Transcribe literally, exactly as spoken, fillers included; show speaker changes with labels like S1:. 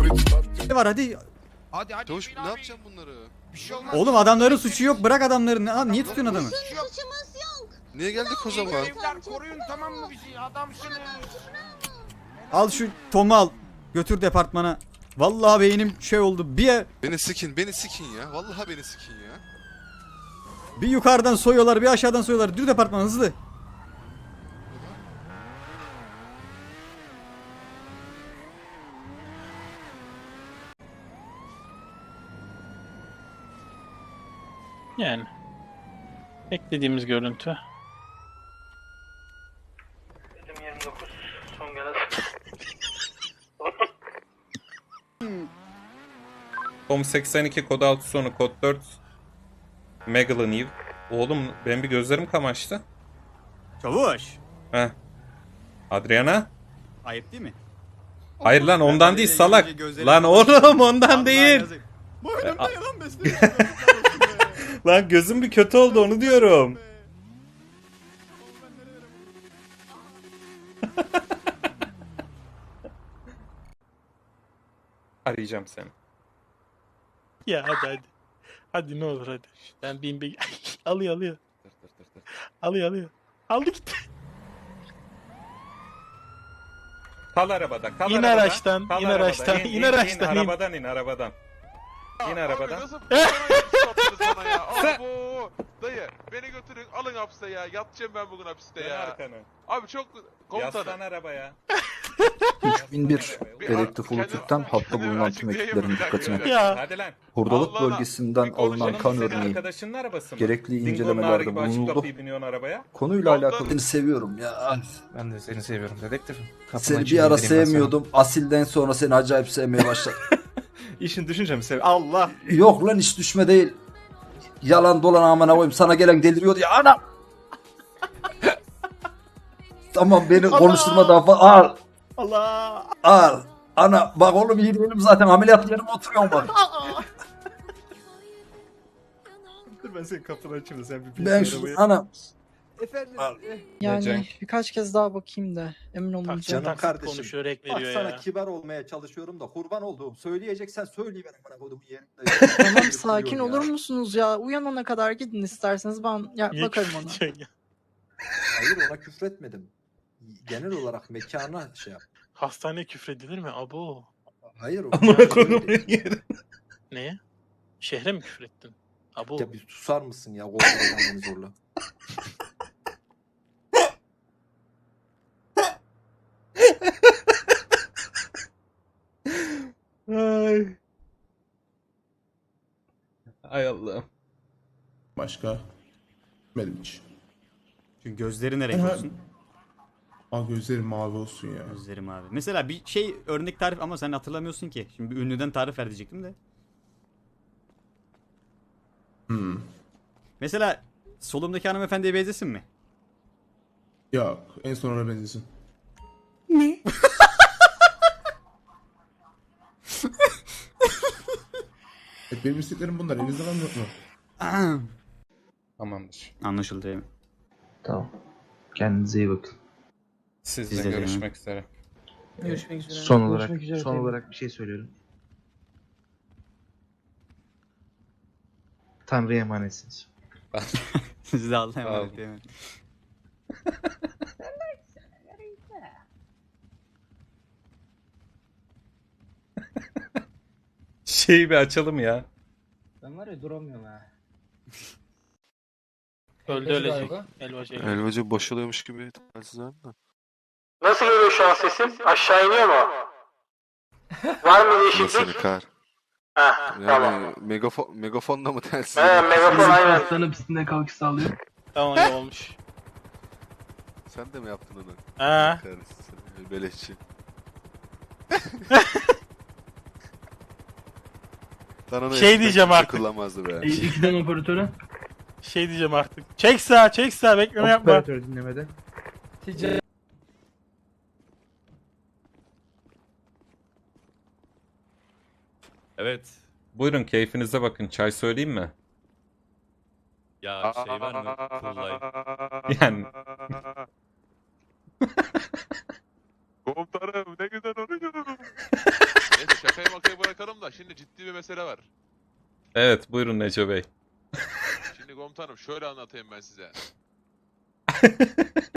S1: Ne var hadi.
S2: Hadi hadi.
S3: Çavuş
S2: Hüseyin
S3: ne
S2: abi.
S3: yapacağım bunları?
S2: Bir şey olmaz.
S1: Oğlum adamların suçu yok. Bırak adamları. Ne, niye tutuyorsun adamı?
S2: Bir şey yok.
S4: Suçumuz yok.
S3: Niye geldik o zaman?
S2: Evler koruyun tamam mı bizi? Adamsınız.
S1: Al şu Tom'u al. Götür departmana. Vallahi beynim şey oldu. Bir
S3: Beni sikin, beni sikin ya. Vallahi beni sikin ya.
S1: bir yukarıdan soyuyorlar, bir aşağıdan soyuyorlar. Dur departmana hızlı.
S5: Yani beklediğimiz görüntü. yirmi dokuz son gelen.
S6: Tom seksen iki kod altı sonu kod dört Megalon Eve. Oğlum benim bir gözlerim kamaştı.
S1: Çavuş.
S6: Heh. Adriana?
S1: Ayıp değil mi?
S6: Hayır lan ondan değil salak.
S1: Gözlerim
S6: Lan oğlum ondan değil.
S1: Bu
S6: E,
S1: önümde
S6: a-
S1: yalan besliyor.
S6: Lan gözüm bir kötü oldu onu diyorum. Arayacağım seni.
S5: Ya hadi hadi. Hadi ne olur hadi. Ben bin bir... alıyor alıyor. Alıyor alıyor. Aldı gitti.
S6: Kal arabada, kal
S5: İn
S6: arabada.
S5: araçtan,
S6: Kal
S5: in
S6: arabada.
S5: araçtan, in araçtan, in.
S6: arabadan in arabadan. İn arabadan.
S7: Nasıl yaptınız bana ya? Abo! Dayı beni götürün alın hapse ya. Yatacağım ben bugün hapiste
S6: Dön
S7: ya.
S6: arkanı.
S7: Abi çok
S6: Yaslan
S7: komutanım.
S6: arabaya.
S8: üç bin bir
S7: Bir-
S8: dedektif
S7: kendim-
S8: Ulutürk'ten hatta
S7: kendimi
S8: bulunan tüm
S7: açıklayayım
S8: ekiplerin
S7: bir dakika
S8: dikkatine.
S7: ya.
S5: Ya.
S6: Hadi lan.
S8: Hurdalık
S7: Allah Allah.
S8: bölgesinden
S7: Bir konuşalım,
S8: alınan kan
S6: Senin
S8: örneği
S6: arkadaşının arabası mı?
S8: gerekli
S6: Dingo'nun ağrı
S8: incelemelerde
S6: gibi açıp
S8: bulunuldu.
S6: kapıyı biniyorsun arabaya.
S8: Konuyla
S7: Ondan-
S8: alakalı seni seviyorum ya.
S9: Ben de seni seviyorum dedektifim. Kapını
S8: Seni bir
S9: açayım,
S8: ara
S9: indireyim ben sana.
S8: sevmiyordum. Asilden sonra seni acayip sevmeye başladım.
S9: İşin düşünce mi sev? Allah!
S8: Yok lan hiç düşme değil. Yalan dolan amına koyayım. Sana gelen deliriyordu ya ana. Tamam beni konuşturma daha fazla. Al.
S5: Allah.
S8: Al. Ana bak oğlum iyi değilim zaten ameliyat yerime oturuyorum bak.
S9: Dur ben senin kapını açayım da sen bir
S8: Ben şu ana.
S10: Efendim,
S8: Al.
S10: eh,
S6: Yani
S9: Cenk.
S10: birkaç kez daha bakayım da emin olunca.
S5: Taksit taksit
S8: kardeşim.
S5: konuşuyor, ek
S8: Bak
S5: veriyor
S8: sana
S5: ya.
S8: kibar olmaya çalışıyorum da kurban olduğum. Söyleyeceksen söyleyiverin bana kodumu yerimde.
S10: Tamam sakin olur musunuz ya? Uyanana kadar gidin isterseniz ben ya,
S5: Niye
S10: bakarım ona.
S5: küfredeceksin ya?
S8: Hayır ona küfretmedim. Genel olarak mekana şey yap.
S5: Hastaneye küfredilir mi? Abo.
S8: Hayır o.
S9: Amına koyduğum yerim.
S5: Neye? Şehre mi küfrettin? Abo.
S8: Ya bir susar mısın ya? Korkudan beni zorla.
S6: Ay. Ay Allah'ım.
S11: Başka? Benim hiç.
S1: Çünkü gözleri ne renk
S11: Aha.
S1: olsun?
S11: Aa gözlerim mavi olsun ya.
S1: Gözlerim abi. Mesela bir şey örnek tarif ama sen hatırlamıyorsun ki. Şimdi bir ünlüden tarif ver diyecektim de.
S11: Hmm.
S1: Mesela solumdaki hanımefendiye benzesin mi?
S11: Yok en son ona benzesin.
S10: Ne?
S11: Hep benim isteklerim bunlar. Elinizde var mı yok mu?
S6: Tamamdır.
S1: Anlaşıldı değil mi?
S9: Tamam. Kendinize iyi bakın.
S6: Sizle
S1: Biz de
S6: görüşmek üzere.
S10: Görüşmek üzere.
S9: Son olarak
S10: Görüşmek üzere
S9: son
S10: tabii.
S9: olarak bir şey söylüyorum. Tanrı'ya emanetsiniz.
S1: Siz de Allah'a
S6: Sağ
S1: emanet
S6: olun.
S1: değil mi?
S6: Şeyi bir açalım ya.
S10: Ben var ya duramıyorum ha.
S5: Öldü ölecek. Elbacı.
S3: Elbacı boşalıyormuş gibi talihsiz abi de.
S5: Nasıl geliyor şu an sesim? Aşağı iniyor mu? Var mı
S3: Nasıl kar?
S5: Heh,
S3: Yani megafon, megafonla mı telsiz?
S5: megafon aynen.
S10: Aslanın pistinde kalkış sağlıyor.
S5: Tamam iyi olmuş.
S3: Sen de mi yaptın onu?
S5: Ha.
S3: Kahretsin seni, beleşçi. Lan onu
S5: Şey
S3: eskiden
S5: diyeceğim
S3: kimse
S5: artık.
S3: Kullanmazdı be.
S10: İkiden operatöre.
S5: Şey diyeceğim artık. Çek sağa, çek sağa, bekleme yapma.
S9: Operatör dinlemede.
S6: Evet. Buyurun keyfinize bakın. Çay söyleyeyim mi?
S7: Ya şey var mı?
S6: Yani.
S7: Komutanım ne güzel oynuyordunuz. Neyse şakaya bak. bırakalım da şimdi ciddi bir mesele var.
S6: Evet buyurun Neco Bey.
S7: Şimdi komutanım şöyle anlatayım ben size.